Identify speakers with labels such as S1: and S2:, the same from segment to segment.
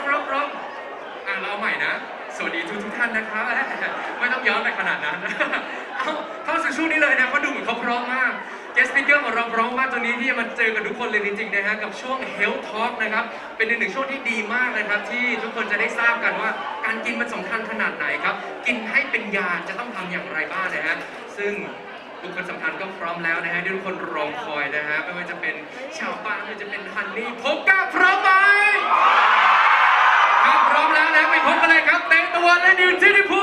S1: ร้องเราเอาใหม่นะสวัสดีทุกท่านนะครับไม่ต้องย้อนไปขนาดนั้นเข้าสู่ช่วงนี้เลยนะเขาดูเหมือนเขาพร้อมมากGuest Speaker ของเราพร้อมมากตรงนี้ที่จะมาเจอกับทุกคนเลยจริงๆนะฮะกับช่วง Health Talk นะครับเป็นหนึ่งช่วงที่ดีมากนะครับที่ทุกคนจะได้ทราบกันว่าการกินมันสำคัญขนาดไหนครับกินให้เป็นยาจะต้องทำอย่างไรบ้างนะฮะซึ่งบุคคลสำคัญก็พร้อมแล้วนะฮะที่ทุกคนรอคอยนะฮะไม่ว่าจะเป็นชาวบ้านไม่ว่าจะเป็นฮันนี่พบกับพร้อมไหมครับพร้อมแล้วนะไปพบกันเลยครับเตตะวันและนิวจิติภู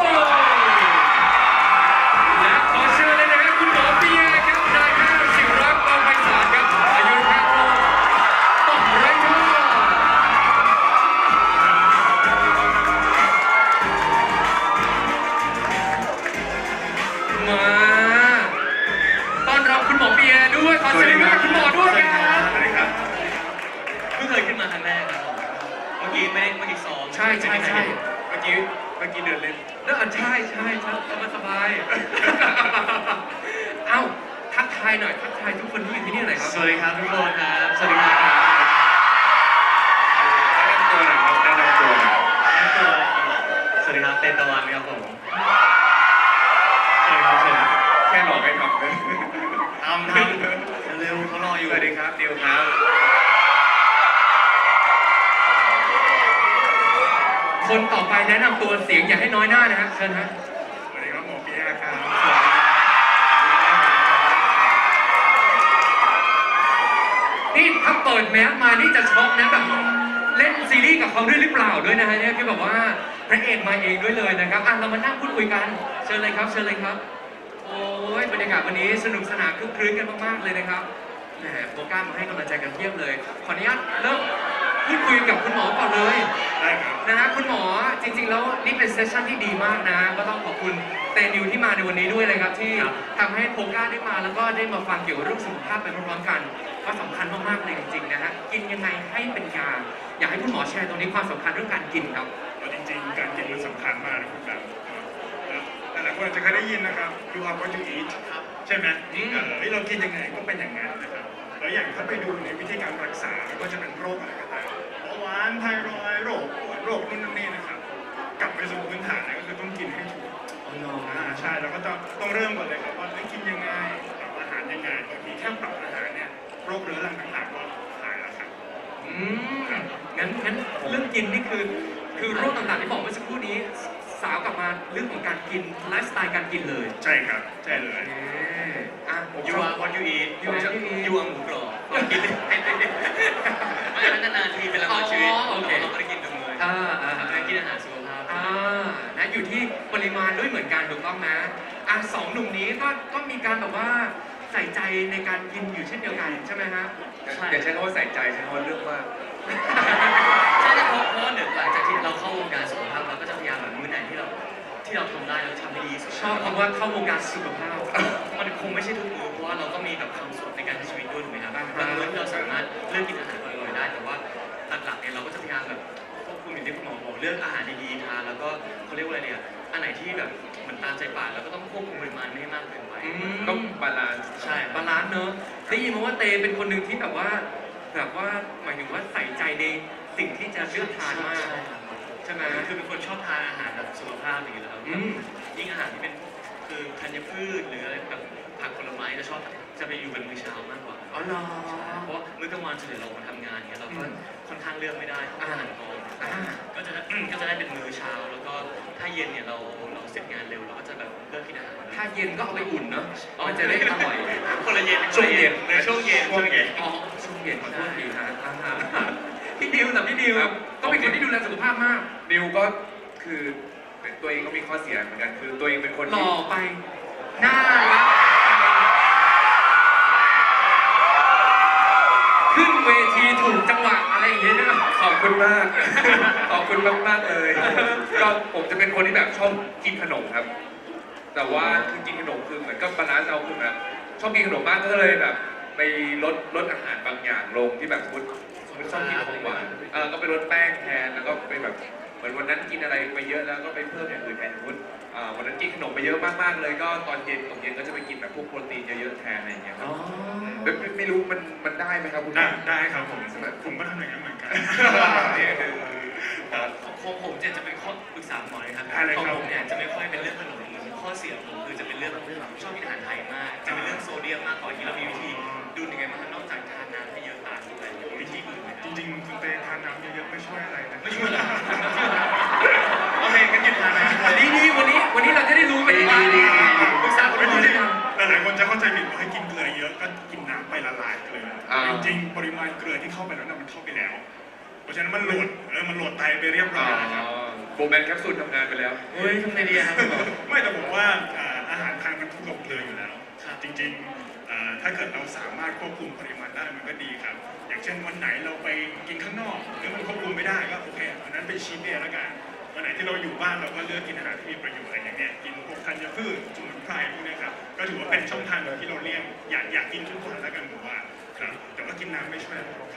S1: และขอเชิญเลยนะฮะคุณหมอเปียครับนายแพทย์ศิวรักษ์กองไพศาลครับอายุรแพทย์โรคต่อมไรท่อมาต้อนรับคุณหมอเปียด้วยขอเชิญคุณหมอด้วยครับสวัสดีครับ
S2: เพิ่งเคยขึ้นมาครั้งแรกครับเมื่อกี้ซ้อม
S1: ใช่เมื่อกี้เดินเล่นใช่สบายเอ้าทักทายหน่อยทักทายทุกคนที่อยู่ที่นี่หน่อยครับ
S2: สวัสดีครับทุกคนครับสวัสดีครับ
S1: แนะนำตัวหน่อยครับ
S2: สวัสดีครับเตตะวันครับผมสวัสดีครับ
S1: แค่หลอกให้ทำเลย
S2: ทำเร็วเขารออยู่
S1: สวัสดีครับดิวครับคนต่อไปแนะนำตัวเสียงอย่าให้น้อยหน้านะฮะเชิญฮะ
S3: สวัสดีครับหมอเปียครับ
S1: นี่ถ้าเปิดแมสมานี่จะช็อกนะแบบเล่นซีรีส์กับเขาด้วยหรือเปล่าด้วยนะฮะเนี่ยคือแบบว่าพระเอกมาเองด้วยเลยนะครับเรามานั่งพูดคุยกันเชิญเลยครับโอ้ยบรรยากาศวันนี้สนุกสนานคึกคืนกันมากๆเลยนะครับแหมโปรก้ามาให้กำลังใจกันเพียบเลยขออนุญาตเริ่มพูดคุยกับคุณหมอก่อนเลย
S3: ได้ครับ
S1: นะฮะคุณหมอจริงๆแล้วนี่เป็นเซสชั่นที่ดีมากนะก็ต้องขอบคุณเตนิวที่มาในวันนี้ด้วยเลยครับที่ทำให้โปรก้าได้มาแล้วก็ได้มาฟังเกี่ยวกับเรื่องสุขภาพไปพร้อมๆกันก็สำคัญมากๆเลยจริงๆนะฮะกินยังไงให้เป็นยาอยากให้คุณหมอแชร์ตรงนี้ความสำคัญเรื่องการกินครับ
S3: จริงๆการกินมันสำคัญมากนะคุณแบบหลายคนอาจจะเคยได้ยินนะครับ you are what you eat ใช่ไหมเรากินยังไงก็เป็นอย่างนั้นนะครับแล้วอย่างถ้าไปดูในวิธีการรักษาก็จะเป็นโรคอะไรก็ตามเบาหวานไทรอยด์โรคปวดโรคนู่นนี่นะครับกลับไปสู่พื้นฐานนะก็คือต้องกินให้ถูกใช่เราก็ต้องเริ่มก่อนเลยครับว่ากินยังไงปรับอาหารยังไงบางทีแค่ปรับอาหารเนี่ยโรคเรื้อรังต่างๆก็หายแล้วครับ
S1: งั้นเรื่องกินนี่คือโรคต่างๆที่บอกเมื่อสักครู่นี้สาวกลับมาเรื่องของการกินไลฟ์สไตล์การกินเลย
S3: ใช่ครับใช่เลย
S2: you are what you eat ยูอาหมูกรอบกินไม่นานๆทีเป็นละครชีวิตเราไม่ได้กินกันเลยกินอาหารสุขภาพ
S1: นะอยู่ที่ปริมาณด้วยเหมือนกันถูกต้องนะสองหนุ่มนี้ก็มีการแบบว่าใส่ใจในการกินอยู่เช่นเดียวกันใช่ไหมฮะ
S3: อย่าใช้คำว่าใส่ใจใช้คำว่าเลือกมาก
S2: ใช่เพราะหนึ่งหลังจากที่เราเข้าวงการสุขภาพเราก็จะพยายามแบบมื้อไหนที่เราทำได้เราทำให้ดีสุด
S1: ชอบคำว่าเข้าวงการสุขภาพ
S2: มันคงไม่ใช่ทุกมื้อเพราะว่าเราก็มีแบบความสุขในการใช้ชีวิตด้วยถูกไหมครับบางมื้อที่เราสามารถเลือกกินอาหารอร่อยๆได้แต่ว่าหลักๆเนี่ยเราก็จะพยายามแบบควบคุมอย่างที่คุณหมอบอกเลือกอาหารดีๆทานแล้วก็เขาเรียกว่าอะไรเนี่ยอันไหนที่แบบเหมือนตามใจปากแล้วก็ต้องควบคุมปริมาณไม่ให้มากเกินไป
S1: ต้องบาลานซ์
S2: ใช่
S1: บาลานซ์เนอะได้ยินมาว่าเตเป็นคนหนึ่งที่แบบว่าหมายถึงว่าใส่ใจในสิ่งที่จะเลือกทานมากใช่ไหม
S2: คือเป็นคนชอบทานอาหารแบบสุขภาพอย่างนี้แล้วยิ่งอาหารที่เป็นคือธัญพืชหรืออะไรแบบผักผลไม้จะไปอยู่เป็นมื้อเช้ามากกว่า
S1: อ๋อเหรอ
S2: เพราะมื้อกลางวันส่วนใหญ่เราทำงานเนี่ยเราก็ค่อนข้างเลือกไม่ได้ต้องอาหารกองก็จะได้เป็นมื้อเช้าแล้วก็ถ้าเย็นเนี่ยเราเสร็จงานเร็วเราก็จะแบบเลือกกินอาหาร
S1: ถ้าเย็นก็เอาไปอุ่นเนาะมันจะได้อร่อย
S2: คนละเย็น
S1: ช่วงเย็น
S2: ช่วงเย็น
S1: ช่วงเย็นขอโทษทีฮะพี่ดิวก็เป็นคนที่ดูแลสุขภาพมาก
S3: ดิวก็คือตัวเองก็มีข้อเสียเหมือนกันคือตัวเองเป็นคน
S1: หล่อไปน่ารักขึ้นเวทีถูกจังหวะอะไรอย่างเงี้ย
S3: ขอบคุณมากเลยก็ผมจะเป็นคนที่แบบชอบกินขนมครับแต่ว่าคือกินขนมคือเหมือนกับบาลานซ์เอาคือแบบชอบกินขนมมากก็เลยแบบไปลดอาหารบางอย่างลงที่แบบชอบกินของหวานก็ไปลดแป้งแทนแล้วก็ไปแบบเหมือนวันนั้นกินอะไรไปเยอะแล้วก็ไปเพิ่มอย่างอื่นแทนวันนั้นกินขนมไปเยอะมากๆเลยก็ตอนเย็นก็จะไปกินแบบพวกโปรตีนเยอะๆแทนอะไรอย่างเงี้ยครับไม่รู้มันได้ไหมครับคุณ
S2: ได้ครับผมก็ทำอย่างนั้นเหมือนกันกษาหมอเลยครับ
S4: ได้เลย
S2: ของ
S4: ครับ
S2: ผมเนี่ยจะไม่ค่อยเป็นเรื่องขนมข้อเสียของผมคือจะเป็นเรื่องชอบกินอาหารไทยมาก จะเป็นเรื่องโซเดียมมากกว่าที่เรามีวิธีดูยังไงบ้างครับนอกจากทานน้ำให้เยอะตามด้วยวิธีอื่นไหมค
S4: จ
S2: รับ
S4: ริงๆคุณเตทานน้ำเยอะๆไม่ช่วยอะไรนะ
S2: ไม่ช่วยเหรอโอเคงั้นหยุดทานนะ
S1: ดีวันนี้เราจะได้รู้กันว่าปรึกษาคุณหมอ
S4: จ
S1: ได้
S4: ริง
S1: ยัง
S4: ๆหลายๆคนจะเข้าใจผิดว่าให้กินเกลือเยอะก็กินน้ำไปละลายเกลือจริงๆปริมาณเกลือที่เข้าไปแล้วน่ะมันเข้าไปแล้ว เพราะฉะนั้นมันโหลดไตไปเรียบร้อยแล้วนะครับ
S3: โบแมนแคปซูลทำงานไปแล้ว
S2: เฮ้ยทำไงดีครับคุณหมอ
S4: ไม่แต่ผมว่าอาหารไทยมันถูกกับเกลืออยู่แล้ว
S2: ครับ
S4: จริงๆถ้าเกิดเราสามารถควบคุมปริมาณได้มันก็ดีครับ อย่างเช่นวันไหนเราไปกินข้างนอกหรือมันควบคุมไม่ได้ก็โอเควันนั้นเป็นชีทเดย์แล้วกันวันไหนที่เราอยู่บ้านเราก็เลือกกินอาหารที่มีประโยชน์อะไรอย่างเงี้ยกินพวกธัญพืชสมุนไพรพวกเนี้ยครับก็ถือว่าเป็นช่องทางหนึ่งที่เราเลี่ยงอยากกินทุกวันแล้วกันผมว่าครับแต่ว่ากินน้ำไม่ช่วยอะไรหรอกครับ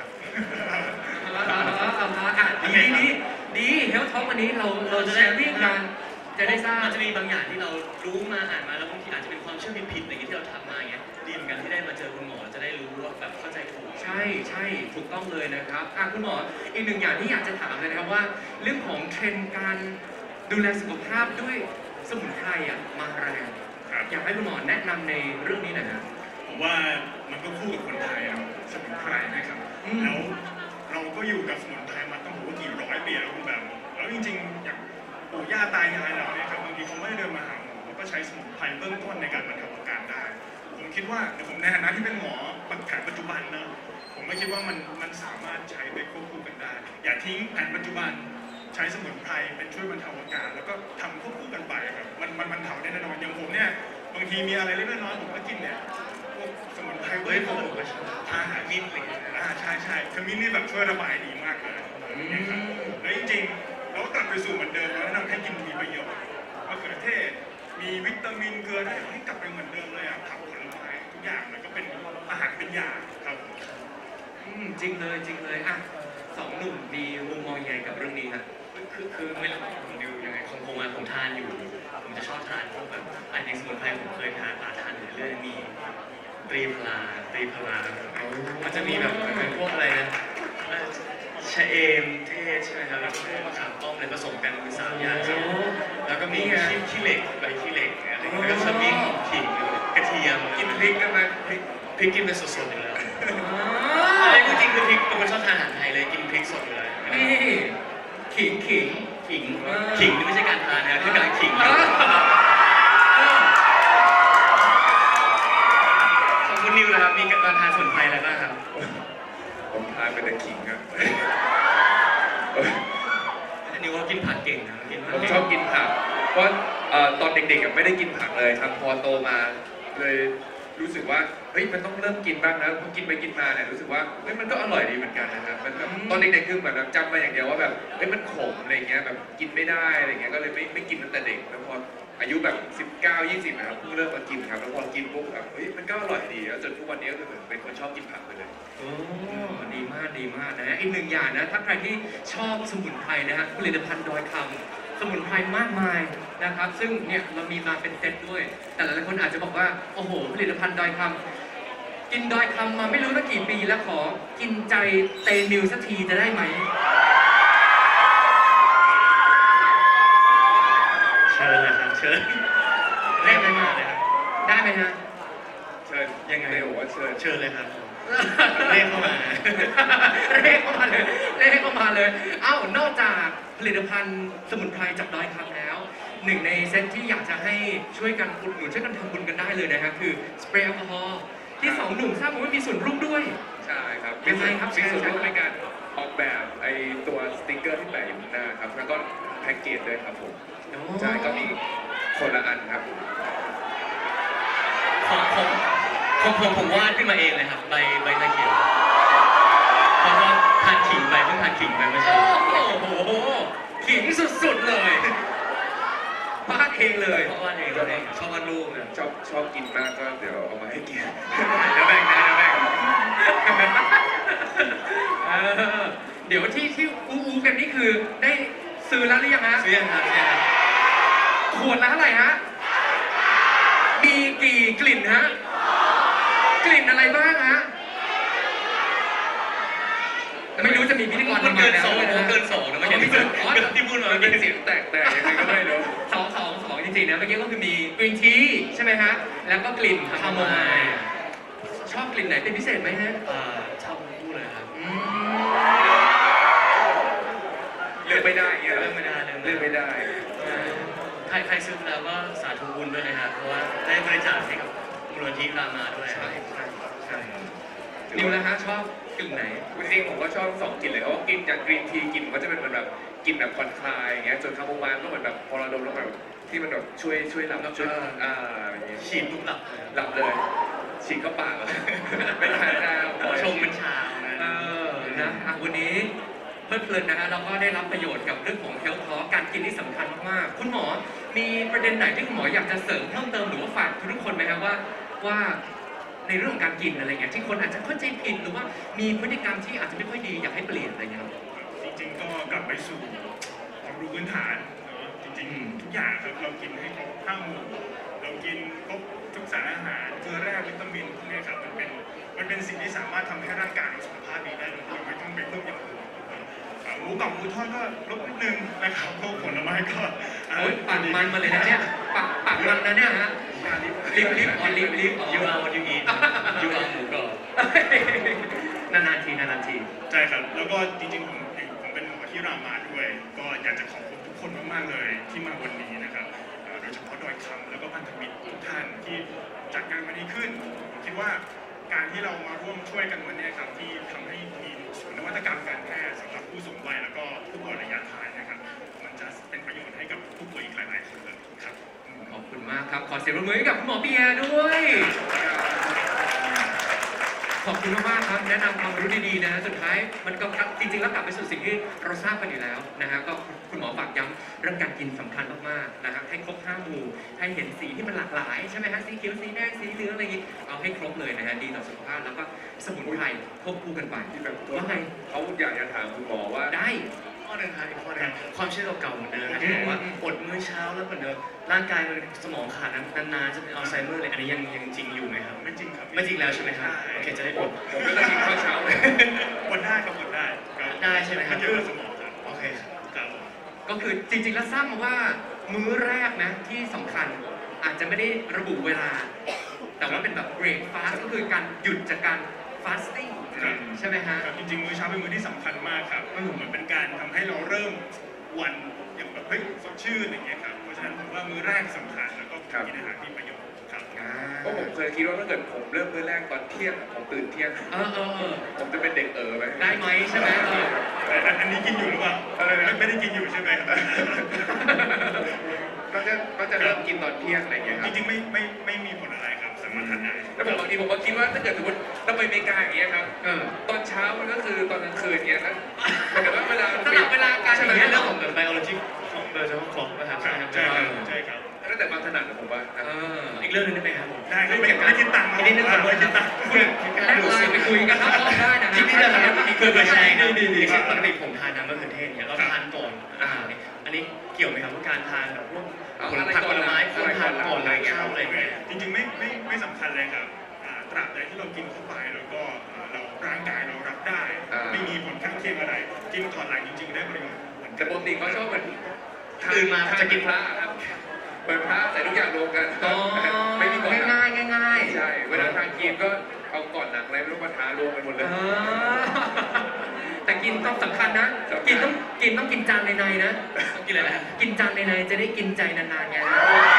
S1: ดีเฮลท็อกวันนี้เราจะแชร์วิ่งกันจะได้ทราบ
S2: มันจะมีบางอย่างที่เรารู้มาอ่านมาแล้วบางทีอาจจะเป็นความเชื่อผิดๆอะไรอย่างเงี้ยที่เราทำมาอย่างเงี้ยดีเหมือนกันที่ได้มาเจอคุณหมอจะได้รู้ว่าแบบเข้าใจถูก
S1: ใช่ถูกต้องเลยนะครับคุณหมออีกหนึ่งอย่างที่อยากจะถามเลยนะครับว่า เรื่องของเทรนด์การดูแลสุขภาพด้วยสมุนไพรมาแรง
S4: ครับ
S1: อยากให้คุณหมอแนะนำในเรื่องนี้หน่อยนะ
S4: ผมว่ามันก็คู่กับคนไทยอะสมุนไพรนะครับ
S1: อืม
S4: แล้วเราก็อยู่กับสมุนไพรมาต้องบอกว่ากี่ร้อยปีแล้วคุณแบบแล้วจริงๆอย่างปู่ย่าตายายเราเนี่ยครับบางทีเขาไม่ได้เดินมาหาหมอเขาก็ใช้สมุนไพรเบื้องต้นในการบรรเทาอาการได้ ผมคิดว่าผมในฐานะที่เป็นหมอแผนปัจจุบันนะผมไม่คิดว่ามันสามารถใช้ไปควบคู่กันได้ อย่าทิ้งแผนปัจจุบันใช้สมุนไพรเป็นช่วยบรรเทาอาการ แล้วก็ทำควบคู่กันไปครับมันบรรเทาได้แน่นอนอย่างผมเนี่ยบางทีมีอะไรเล็กๆน้อยๆผมก็กินเนี่ยพวกสมุนไพร
S2: เฮ้ยผมก็ชอบ
S4: อาหารมิ้นท์อะไรอย่างเงี้ยใช่คือมิ้นท์นี่แบบช่วยระบายดีมากเลยนะครับแล้วจริงๆเราก็กลับไปสู่เหมือนเดิมแล้วแนะนำให้กินมีประโยชน์มะเขือเทศมีวิตามินเกลือได้ให้กลับไปเหมือนเดิมเลยอ่ะผักผลไม้ทุกอย่างมันก็เป็นอาหารเป็นยาครับ
S1: จริงเลยสองหนุ่มมีมุมมองยังไงกับเรื่องนี้ครับ
S2: คือไม่รู้ผมดูยังไงของผมอะผมทานอยู่ ผมจะชอบทานพวกแบบอันนี้สมุนไพรผมเคยทานอยู่เรื่อยๆมีตรีพลามันจะมีแบบเป็นพวกอะไรนะชะเอมเทศใช่ไหมครับแล้วก็พวกมะขามป้อมอะไรผสมกันเป็น3อย่างครับแล้วก็มีขี้เหล็กใบขี้เหล็กอะไรอย่างเงี้ยแล้วก็ขมิ้นขิงกระเทียม
S3: กินพริกกันไหมพริก
S2: กินเป็นสดๆอยู่แล้วไอ้จริงๆคือพริกเป็นคนชอบทานอาหารไทยเลยกินพริกสดเลย
S1: นี่ขิง
S2: ขิงนี่ไม่ใช่การทานนะคือการขิงของคุณนิวนะครับมีการทานสมุนไพรอะไรบ้างครับ
S3: ผมทานเป็นแต่ขิงอะ
S2: นิวก็กินผักเก่งนะกิน
S3: ผมชอบกินผัก เพราะตอนเด็กๆไม่ได้กินผักเลยครับ พอโตมาเลยรู้สึกว่าเฮ้ยมันต้องเริ่มกินบ้างนะพอกินไปกินมาเนี่ยรู้สึกว่าเฮ้ยมันก็อร่อยดีเหมือนกันนะครับมันแบบตอนเด็กๆคือเหมือนแบบจำมาอย่างเดียวว่าแบบเฮ้ยมันขมอะไรเงี้ยแบบกินไม่ได้อะไรเงี้ยก็เลยไม่กินตั้งแต่เด็กแล้วพออายุแบบ19-20นะครับเพิ่งเริ่มมากินครับแล้วพอกินปุ๊บแบบเฮ้ยมันก็อร่อยดีแล้วจนทุกวันนี้ก็คือเหมือนเป็นคนชอบกินผักไปเลย
S1: โอ้ดีมากนะอีกหนึ่งอย่างนะถ้าใครที่ชอบสมุนไพรนะฮะผลิตภัณฑ์ดอยคำสมุนไพรมากมายนะครับซึ่งเนี่ยเรามีมาเป็นเซตด้วย แต่หลายคนอาจจะบอกว่าโอ้โหผลิตภัณฑ์ดอยคำกินดอยคำมาไม่รู้ตั้งกี่ปีแล้วขอกินใจเตนิวสักทีจะได้ไหม
S2: เชิญเลยครับเชิญได้ไหมมาเลยครับ
S1: ได้ไหมฮะ
S3: เชิญ
S2: ยังไง
S3: เร็วว่าเชิญ
S2: เชิญเลยครับเรียกเข้ามา
S1: เลขเข้ามาเลย เอ้านอกจากผลิตภัณฑ์สมุนไพรจากดอยคำแล้วหนึ่งในเซตที่อยากจะให้ช่วยกันอุดหนุนช่วยกันทำบุญกันได้เลยนะครับคือสเปรย์แอลกอฮอล์ที่สองหนุ่มทราบมาว่ามีส่วนร่วมด้วย
S3: ใช่ครับ
S1: ยังไงครับ
S3: มีส่วนร่วม
S1: แชร์
S3: ในการออกแบบไอตัวสติกเกอร์ที่แปะอยู่ข้างหน้าครับแล้วก็แพ็กเกจด้วยครับผมใช่ก็มีคนละอันครับ
S2: ผมวาดขึ้นมาเองเลยครับใบตะเขียวเพราะว่าทานขิงไปเพิ่งทานขิงไปเมื่อเช้า
S1: โอ้โหขิงสุดๆเลยพาดเองเลย
S2: เพราะว่าเองเราเองชอบวาดรูปเนี่ย
S3: ชอบกินมากก็เดี๋ยวเอามาให้กิน
S2: เดี๋ยวแบ่งนะเดี๋ยวแบ่ง
S1: เดี๋ยวที่อูกันนี่คือได้ซื้อแล้วหรือยังฮะ
S2: ซื้อยังครับซื้อยังครับ
S1: ขวดละเท่าไหร่ฮะมีกี่กลิ่นฮะกลิ่นอะไรบ้างฮะไม่รู้จะมีพิธีกร
S2: มัน
S1: ทำมา
S2: เกิน
S1: แล้ว
S2: สอง
S1: ด้วย
S2: ผม
S1: นะ
S2: เกิน2นะไม่ใช่ที่พูดมา
S3: เมื่อกี้เสียงแตกยังไงก็ไม่รู้
S1: สองจริงๆนะเมื่อกี้ก็คือมีกรีนทีใช่ไหมฮะแล้วก็กลิ่นคาโมไมล์ชอบกลิ่นไหนเป็นพิเศษไหมฮะ
S2: ชอบทั้งคู่เลยครับ
S3: เลือกไม่ได้เงี้ย
S2: เลือกไม่ได้
S3: เลือกไม่ได้
S2: ใครซื้อแล้วก็สาธุบุญด้วยนะครับเพราะว่าได้บริจาคให้กับมูลนิธิรามาด้วย
S1: ใช่นิวนะฮะชอบกลิ่นไหน
S3: จริงๆผมก็ชอบสองกลิ่นเลยเพราะว่ากินจากกรีนทีกลิ่นมันก็จะเป็นเหมือนแบบกลิ่นแบบผ่อนคลายอย่างเงี้ยส่วนคาโมไมล์ก็เหมือนแบบพอเราดมแล้วแบบที่มันแบบช่วยหลับช่วยอย่างเงี้ย
S2: ฉีดปุ๊บหลับเลย
S3: หลับเลยฉีกเข้าปากเลยไม่ทานน้ำ
S2: ชงเป็นชา
S1: นะวันนี้เพลิดเพลินนะฮะเราก็ได้รับประโยชน์กับเรื่องของเฮลท์ทอการกินที่สำคัญมากๆคุณหมอมีประเด็นไหนที่คุณหมออยากจะเสริมเพิ่มเติมหรือว่าฝากทุกคนไหมครับว่าในเรื่องของการกินอะไรเงี้ยที่คนอาจจะเข้าใจผิดหรือว่ามีพฤติกรรมที่อาจจะไม่ค่อยดีอยากให้เปลี่ยนอะไรเงี้ยครับ
S4: จริงๆก็กลับไปสู่ความรู้พื้นฐานเนาะจริงๆทุกอย่างครับเรากินให้ครบ5 หมู่เรากินครบทุกสารอาหารเกลือแร่วิตามินพวกนี้ครับมันเป็นสิ่งที่สามารถทำให้ร่างกายเราสุขภาพดีได้โดยที่ไม่ต้องไปเพิ่มอย่างอื่นหมูกับหมูทอดก็ลดนิดนึงนะครับพวกผลไม้ก็
S1: โอ้ยปากมันมาเลยนะเนี่ยปากมันนะเนี่ยฮะลิฟอ๋อ
S2: ยูอาร์วันยูอียูอาร์หมูกรอบ
S1: นานๆที
S4: ใช่ครับแล้วก็จริงๆผมเป็นหมอที่รามาด้วย ก็อยากจะขอบคุณทุกคนมากๆเลยที่มาวันนี้นะครับโดยเฉพาะดอยคำแล้วก็พันธมิตรทุกท่านที่จัดงานวันนี้ขึ้นผมคิดว่าการที่เรามาร่วมช่วยกันวันนี้ครับที่ทำให้มีศูนย์นวัตกรรมการแพทย์สำหรับผู้สูงวัยแล้วก็ผู้ป่วยระยะท้ายนะครับมันจะเป็นประโยชน์ให้กับผู้ป่วยอีกหลายๆคนเลยครับ
S1: ขอบคุณมากครับขอเสียงปรบมือให้กับคุณหมอเปียด้วย ขอบคุณมากๆครับแนะนำความรู้ดีๆนะสุดท้ายมันก็จริงๆแล้วกลับไปสู่สิ่งที่เราทราบกันอยู่แล้วนะฮะก็คุณหมอฝากย้ำเรื่องการกินสำคัญมากๆนะครับให้ครบ5 หมู่ให้เห็นสีที่มันหลากหลายใช่ไหมฮะสีเขียวสีแดงสีเหลืองอะไรอย่างงี้เอาให้ครบเลยนะฮะดีต่อสุขภาพแล้วก็สมุนไพรควบคู่กันไป
S3: ที่แบบ
S1: ว่าไง
S3: เขาอยากจะถามคุณหมอว่า
S1: ได้
S2: ข้อหนึ่งครับอีกข้อหนึ่งความเชื่อเก่าๆเหมือนเดิมที่บอกว่าอดมื้อเช้าแล้วเหมือนเดิมร่างกายมันสมองขาดนานๆจะเป็นอัลไซเมอร์เลยอันนี้ยังจริงอยู่ไหมครับ
S4: ไม่จริงครับ
S2: ไม่จริงแล้วใช่ไหมครับโอเคจะได้อด
S3: ผมก็จะกินข้าวเช้าเลย
S4: กดได้ครับกดได้ครับ
S2: ได้ใช่ไหมครับ
S4: นเยอะสมองครับ
S2: โอเคครับ
S4: ครับ
S1: ก็คือจริงๆแล้วทราบมาว่ามื้อแรกนะที่สำคัญอาจจะไม่ได้ระบุเวลา แต่ว่าเป็นแบบเบรกฟาสก็คือการหยุดจากการฟาสติ้งใช่ไหมฮะ
S4: ครับจริงๆมื้อเช้าเป็นมื้อที่สำคัญมากครับเหมือนเป็นการทำให้เราเริ่มวันอย่างแบบเฮ้ยสดชื่นอย่างเงี้ยครับเพราะฉะนั้นผมว่ามื้อแรกสำคัญแล้วก็กินอาหารที่ประโยชน์ครับ
S3: เพราะผมเคยคิดว่าถ้าเกิดผมเริ่มมื้อแรกตอนเที่ยงผมตื่นเที่ยง ผมจะเป็นเด็กไหม
S1: ได้ไหมใช่ไหม
S4: แต่อันนี้กินอยู่หรือเปล่าไม่ได้กินอยู่ใช่ไหมครับ
S3: ก็จะเริ่มกินตอนเที่ยงอะไรอย่างเงี้ยค
S4: จ
S3: รับ
S4: ริงๆไม่มีผลอะไรครับสามารถทานได้
S3: แล้วบางทีผมก็คิดว่าถ้าเกิดสมมติเราไปอเมริกาอย่างเงี้ยครับตอนเช้ามันก็คือตอนกลางคืนอย่างเงี้ยนะหมายถึงว่าเวลา
S1: สลับเวลาการ
S2: ใช่ไหม
S1: อย่างเงี้ย
S2: เรื่
S1: เรื่
S2: อ
S1: อง ง
S2: ของแบบไบโอโลจิของเบอร์เฉพาะของนะครับ
S4: ใช่ครับใช่ครับ
S3: แล้วแต่ความถนัดของผมว่า
S2: อีกเรื่องหนึงได้ไหมครับผม
S4: ได้ครับไม่คิดตังค์
S2: อันนี้นึกถึงว่าคิดตังค์
S1: แลกไลน์ไปคุยกันนอกรอบได้นะ
S2: ที่นี่นะครับเคยใช้นะ
S1: ดี
S2: เช่นปกติผมทานน้ำมะเขือเทศเนี่ยเราทานก่อนอาหารเนี่ยอันนี้เกี่ยวไหมครับว่าการทานแบบพวกผลผักผลไม้ควรทานก่อนหลังข้าวอะไรอย่างเงี้ย
S4: จริงๆไม่สำคัญเลยครับตราบใดที่เรากินเข้าไปแล้วก็เราร่างกายเรารับได้ ไม่มีผลข้างเคียงอะไร กินก่อนหลังจริงๆได้ประโยชน์เหมือน
S3: แต่
S4: กัน
S3: ปกติเขาชอบเหมือน
S2: ตื่นมาจะกิน
S3: พระครับเปิดพระใส่ทุกอย่างรวมกัน
S1: อ๋อ
S3: ไม่มีก่อน
S1: ง่ายๆง่าย
S3: ใช่เวลาทานกินก็เอาก่อนหนักอะไรไม่รู้มาทารวมกันหมดเลย
S1: แต่กินต้องสำคัญนะ กินต้องกินจานในๆนะ
S2: ต้องกินอะไรนะ
S1: กินจานในๆจะได้กินใจนานๆไง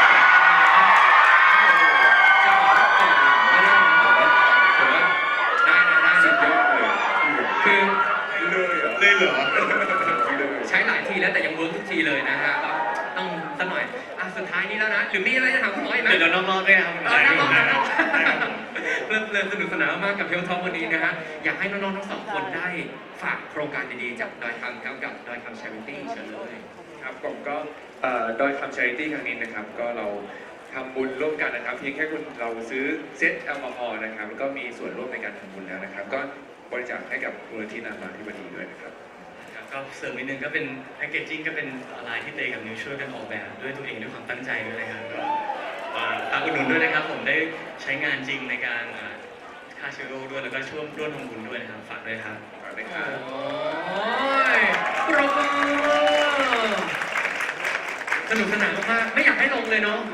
S1: ได้
S3: สุดยอดเลย
S1: คือ
S3: เลยเหรอ
S1: ใช้หลายทีแล้วแต่ยังเวิร์กทุกทีเลยนะฮะก็ต้องสักหน่อยสุดท้ายนี้แล้วนะหรือมีอะไรจะถามคุณหมออีกไหม
S2: เดี๋ยวนอกๆด้วยครับ
S1: เริ่มสนุกสนานมากกับเฮลท็อปวันนี้นะฮะอยากให้น้องๆทั้งสองคนได้ฝากโครงการดีๆจากดอยคำกับดอยคำ Charity เชิญเลย
S3: ครับผมก็ดอยคำ Charity ครั้งนี้นะครับก็เราทำบุญร่วมกันนะครับเพียงแค่คุณเราซื้อเซตแอลกอฮอล์นะครับแล้วก็มีส่วนร่วมในการทำบุญแล้วนะครับ ก็บริจาคให้กับมูลนิธิรามาธิบดีด้วยนะครับ
S2: ก็เสริมนิดนึงก็เป็นแพคเกจจิ้งก็เป็นลายที่เตกับนิวช่วยกันออกแบบด้วยตัวเองด้วยความตั้งใจด้วยนะครับก็ฝากอุดหนุนด้วยนะครับผมได้ใช้งานจริงในการฆ่าเชื้อโรคด้วยแล้วก็ช่วยร่วมทำบุญด้วยนะครับฝากด้วยครับ
S3: ฝากด้วยครับ
S1: โอ้ยปรบมือสนุกสนานมากๆไม่อยากให้ลงเลยเนาะ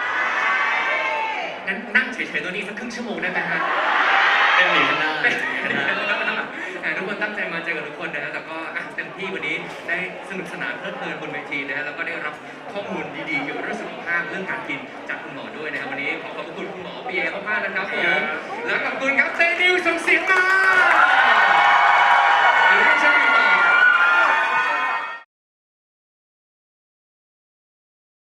S1: งั้นนั่งเฉยๆตัวนี้สักครึ่งชั่วโมงได้ไหมฮะ
S2: เป็นหนีข้างหน้า
S1: ทุกคนตั้งใจมาเจอกับทุกคนนะฮะแต่ก็เต็มที่วันนี้ได้สนุกสนานเพลิดเพลินบนเวทีนะฮะแล้วก็ได้รับข้อมูลดีๆเกี่ยวกับเรื่องสุขภาพเรื่องการกินจากคุณหมอด้วยนะครับวันนี้ขอขอบคุณคุณหมอเปียมากๆนะครับผมและขอบคุณครับเซนิวส่งเสียงมา